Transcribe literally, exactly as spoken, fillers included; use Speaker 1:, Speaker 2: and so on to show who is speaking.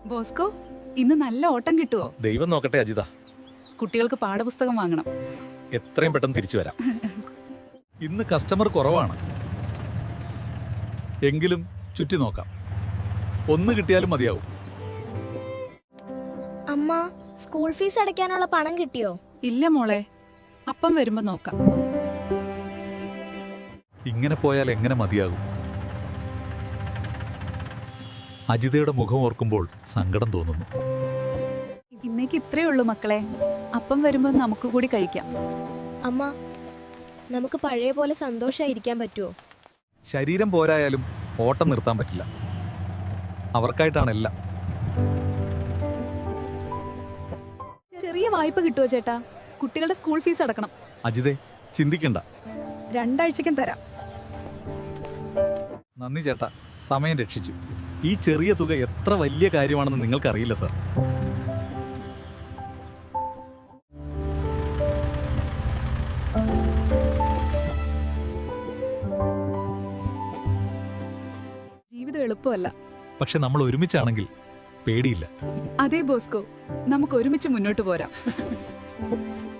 Speaker 1: Bosco, ഇന്ന് നല്ല ഓട്ടം കിട്ടുമോ?
Speaker 2: ദൈവം നോക്കട്ടെ അജിത.
Speaker 1: കുട്ടികൾക്ക് പാഠപുസ്തകം വാങ്ങണം.
Speaker 2: എത്രയും പെട്ടെന്ന് തിരിച്ചു വരാം. ഇന്ന് കസ്റ്റമർ കുറവാണ്, എങ്കിലും ചുറ്റി നോക്കാം. ഒന്ന് കിട്ടിയാലും മതിയാവും.
Speaker 3: അമ്മ, സ്കൂൾ ഫീസ് അടയ്ക്കാനുള്ള പണം കിട്ടിയോ?
Speaker 1: ഇല്ല മോളെ, അപ്പം വരുമ്പോ നോക്കാം.
Speaker 2: ഇങ്ങനെ പോയാൽ എങ്ങനെ മതിയാകും? അജിതയുടെ മുഖം ഓർക്കുമ്പോൾ സങ്കടം തോന്നുന്നു.
Speaker 1: ഇന്നേക്ക് ഇത്രയേ ഉള്ളൂ മക്കളെ. അപ്പം വരുമ്പോ നമുക്ക് കൂടി കഴിക്കാം.
Speaker 3: അമ്മ, നമുക്ക് പഴയ പോലെ സന്തോഷായിരിക്കാൻ പറ്റുമോ?
Speaker 2: ശരീരം പോരായാലും ഓട്ടം നിർത്താൻ പറ്റില്ല. അവർക്കായിട്ടാണ് എല്ലാം.
Speaker 1: ചെറിയ വായ്പ കിട്ടുമോ ചേട്ടാ? കുട്ടികളുടെ സ്കൂൾ ഫീസ് അടക്കണം.
Speaker 2: അജിതേ, ചിന്തിക്കണ്ട.
Speaker 1: രണ്ടാഴ്ചക്കും തരാം.
Speaker 2: നന്ദി ചേട്ടാ, സമയം രക്ഷിച്ചു. ഈ ചെറിയ തുക എത്ര വലിയ കാര്യമാണെന്ന് നിങ്ങൾക്കറിയില്ല സർ.
Speaker 1: ജീവിതം എളുപ്പമല്ല.
Speaker 2: പക്ഷെ നമ്മൾ ഒരുമിച്ചാണെങ്കിൽ പേടിയില്ല.
Speaker 1: അതെ ബോസ്കോ, നമുക്ക് ഒരുമിച്ച് മുന്നോട്ട് പോരാം.